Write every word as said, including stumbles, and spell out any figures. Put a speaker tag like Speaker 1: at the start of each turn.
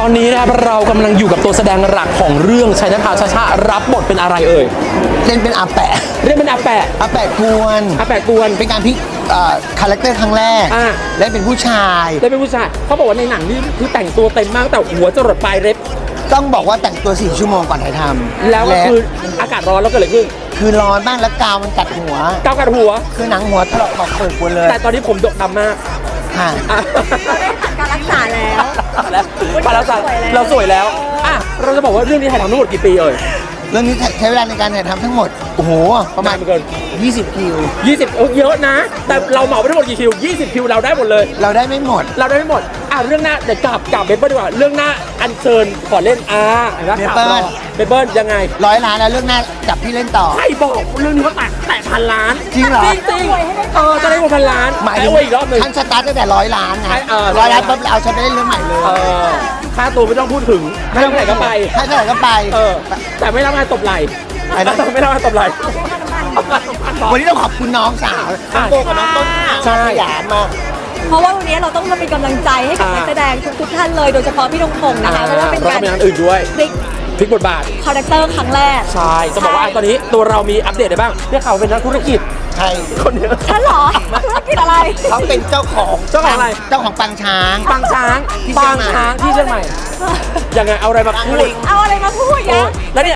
Speaker 1: อนนี้นะครับเรากำลังอยู่กับตัวแสดงหลักของเรื่องชัยนภาชาชารับบทเป็นอะไรเอ่ย
Speaker 2: เล่นเป็นอาแปะ
Speaker 1: เรียกเป็นอาแปะ
Speaker 2: อาแปะกวน
Speaker 1: อาแปะกวน
Speaker 2: เป็นการพลิกคาแรคเตอร์ครั้งแรก
Speaker 1: อ่า
Speaker 2: เล่นเป็นผู้ชาย
Speaker 1: ได้เป็นผู้ชายเขาบอกว่าในหนังนี่คือแต่งตัวเต็มมากแต่หัวจรดปลายเล็บ
Speaker 2: ต้องบอกว่าแต่งตัวสี่ชั่วโมงก่อนถ่ายทำ
Speaker 1: แล้วก็คืออากาศร้อนแล้วก็เลยขึ้น
Speaker 2: คือร้อนมากแล้วกาวมันกัดหัว
Speaker 1: ก้าวกัดหัว
Speaker 2: คือหนังหัวถลอกบอกเปิดหมดเลย
Speaker 1: แต่ตอนนี้ผมดกดำมาก
Speaker 2: ค่ะ
Speaker 1: อ่ะ
Speaker 3: การรักษาแล้ว
Speaker 1: แล้วมาแล้วจ้ะ
Speaker 3: สวยแล้ว
Speaker 1: เราสวยแล้วอ่ะเราจะบอกว่าเรื่องนี้ถ่ายทำทั้งหมดกี่ปีเอ่ย
Speaker 2: เรื่องนี้ใช้เวลาในการถ่ายทำทั้งหมดโอ้โหประมาณ
Speaker 1: นานเหลือเกิน
Speaker 2: ยี่สิบคิว
Speaker 1: ยี่สิบเออเยอะนะ แต่เราเหมาไปทั้งหมดกี่คิวยี่สิบคิวเราได้หมดเลย
Speaker 2: เราได้ไม่หมด
Speaker 1: เราได้ไม่หมดอ่ะเรื่องหน้าเดี๋ยวกลับกลับเบเบิลดีกว่าเรื่องหน้าอันเชิญขอเล่นอาเห็นไหม
Speaker 2: เบเบิ้ล
Speaker 1: เบเบิลยังไง
Speaker 2: ร้อยล้านแล้วเรื่องหน้าจับพี่เล่นต่อ
Speaker 1: ใครบอกเรื่องนี้ว่าแตะแตะพันล้าน
Speaker 2: จริงเหรอ
Speaker 1: จริงจริงเออจะได้หมดพันล้าน
Speaker 2: หมาย
Speaker 1: แตะ
Speaker 2: ถึง
Speaker 1: ไว้อีกรอบหนึ่ง
Speaker 2: ท่านสตาร์ทตั้งแต่ร้อยล้านไง
Speaker 1: ใช่เออ
Speaker 2: ร้อยล้านปุ๊บเอาฉันไปเล่นเรื่องใหม่เลย
Speaker 1: เออค่าตัวไม่ต้องพูดถึงไม่ต้องไหนก็ไป
Speaker 2: ให้เท่าไหร่ก็ไป
Speaker 1: เออแต่ไม่รับงานตบไหล
Speaker 2: ไอ้นั่น
Speaker 1: ไม่รับงานตบไหล
Speaker 2: วันนี้ต้องขอบคุณน้องสาวน้องโบกับน้องต้น
Speaker 1: ใช่
Speaker 2: ขยันมาก
Speaker 3: เพราะว่าวันนี้เราต้องมาเป็นกำลังใจให้กับ
Speaker 1: อ่า
Speaker 3: นักแสดงทุกๆท่านเลยโดยเฉพาะพี่ธงพงษ์นะคะเพราะว่าเป็น
Speaker 1: เรา
Speaker 3: การ
Speaker 1: ก็มีงานอื่นด้วย
Speaker 3: พลิก
Speaker 1: พลิกบทบาท
Speaker 3: คาแรคเตอร์ครั้งแรก
Speaker 1: ใช่จะบอกว่าตอนนี้ตัวเรามีอัปเดตอะไรบ้างเนี่ยเขาเป็นนักธุรกิจ
Speaker 2: ใช่
Speaker 1: คนเนี้ย
Speaker 3: ฉันเหรอธุรกิจอะไร
Speaker 2: เขาเป็นเจ้าของ
Speaker 1: เจ้าของอะไร
Speaker 2: เจ้าของปังช้าง
Speaker 1: ปางช้าง
Speaker 2: ที่เชีย
Speaker 1: ปาง ง
Speaker 2: ใหม่
Speaker 1: ช้างที่เชียงใหม่ยังไงเอาอะไรมาพูด
Speaker 3: เอาอะไรมาพูด
Speaker 1: โอ้
Speaker 3: ยะ
Speaker 1: ยแล้วเนี่ย